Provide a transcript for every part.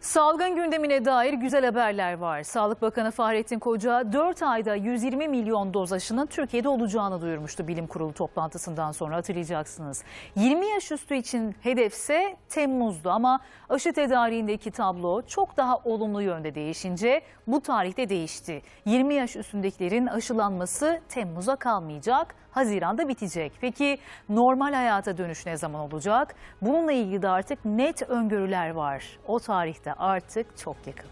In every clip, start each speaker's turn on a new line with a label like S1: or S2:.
S1: Salgın gündemine dair güzel haberler var. Sağlık Bakanı Fahrettin Koca 4 ayda 120 milyon doz aşının Türkiye'de olacağını duyurmuştu bilim kurulu toplantısından sonra, hatırlayacaksınız. 20 yaş üstü için hedefse Temmuz'du ama aşı tedariğindeki tablo çok daha olumlu yönde değişince bu tarihte değişti. 20 yaş üstündekilerin aşılanması Temmuz'a kalmayacak, Haziran'da bitecek. Peki normal hayata dönüş ne zaman olacak? Bununla ilgili de artık net öngörüler var. O tarihte artık çok yakın.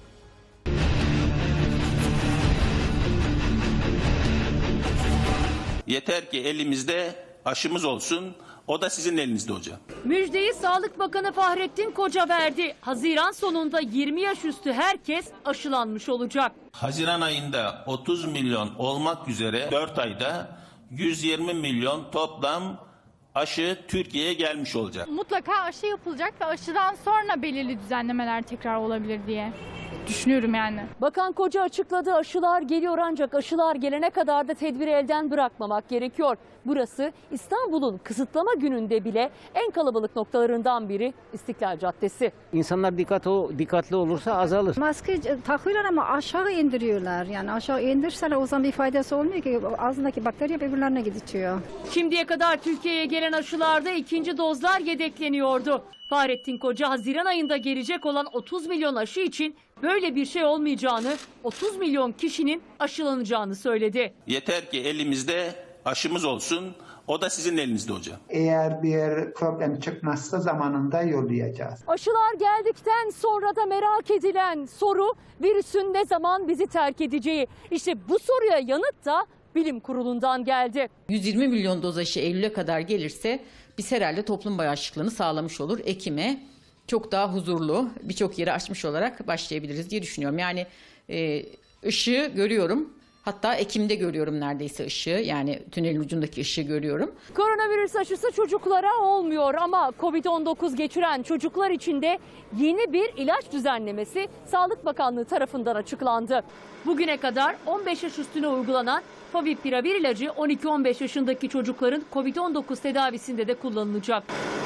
S2: Yeter ki elimizde aşımız olsun. O da sizin elinizde hocam.
S3: Müjdeyi Sağlık Bakanı Fahrettin Koca verdi. Haziran sonunda 20 yaş üstü herkes aşılanmış olacak.
S2: Haziran ayında 30 milyon olmak üzere 4 ayda 120 milyon toplam aşı Türkiye'ye gelmiş olacak.
S4: Mutlaka aşı yapılacak ve aşıdan sonra belirli düzenlemeler tekrar olabilir diye düşünüyorum yani.
S3: Bakan Koca açıkladı, aşılar geliyor ancak aşılar gelene kadar da tedbiri elden bırakmamak gerekiyor. Burası İstanbul'un kısıtlama gününde bile en kalabalık noktalarından biri İstiklal Caddesi.
S5: İnsanlar dikkatli olursa azalır.
S6: Maske takıyorlar ama aşağı indiriyorlar. Yani aşağı indirseler o zaman bir faydası olmuyor ki. Ağzındaki bakteri hep öbürlerine gidiyor.
S3: Şimdiye kadar Türkiye'ye gelen aşılarda ikinci dozlar yedekleniyordu. Fahrettin Koca Haziran ayında gelecek olan 30 milyon aşı için böyle bir şey olmayacağını, 30 milyon kişinin aşılanacağını söyledi.
S2: Yeter ki elimizde aşımız olsun. O da sizin elinizde hocam.
S7: Eğer bir problem çıkmazsa zamanında yollayacağız.
S3: Aşılar geldikten sonra da merak edilen soru, virüsün ne zaman bizi terk edeceği. İşte bu soruya yanıt da bilim kurulundan geldi.
S8: 120 milyon doz aşı Eylül'e kadar gelirse biz herhalde toplum bağışıklığını sağlamış olur. Ekim'e çok daha huzurlu, birçok yeri açmış olarak başlayabiliriz diye düşünüyorum. Yani ışığı görüyorum. Hatta Ekim'de görüyorum neredeyse ışığı, yani tünelin ucundaki ışığı görüyorum.
S3: Koronavirüs aşısı çocuklara olmuyor ama Covid-19 geçiren çocuklar için de yeni bir ilaç düzenlemesi Sağlık Bakanlığı tarafından açıklandı. Bugüne kadar 15 yaş üstüne uygulanan Favipiravir ilacı 12-15 yaşındaki çocukların Covid-19 tedavisinde de kullanılacak.